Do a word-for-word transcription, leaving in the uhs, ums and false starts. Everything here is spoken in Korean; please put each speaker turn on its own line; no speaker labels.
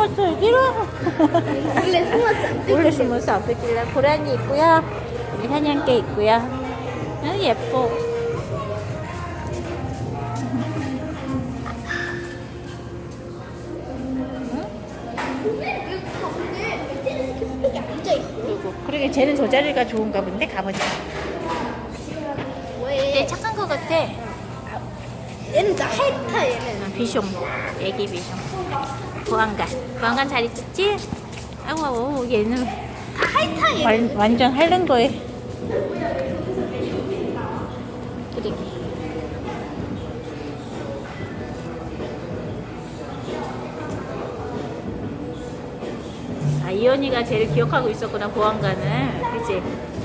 숨었어 여기로?
원래 숨었어.
원래 숨어서 안 뺏길래. 고라니 있고요. 여기 사냥개 있고요. 아, 예뻐.
여기 앉아 있어.
그리고 그러게 쟤는 저 자리가 좋은가 본데 가보자.
왜?
얘 착한 거 같아.
얘는 나 핥아 얘는.
아, 비숑, 애기 비숑. 보안관, 보안관 잘 있었지? 아우, 아우, 얘는
다 핥아 얘는.
완, 완전 하는 거에. 그러게. 아, 이현이가 제일 기억하고 있었구나, 보안관을. 그치?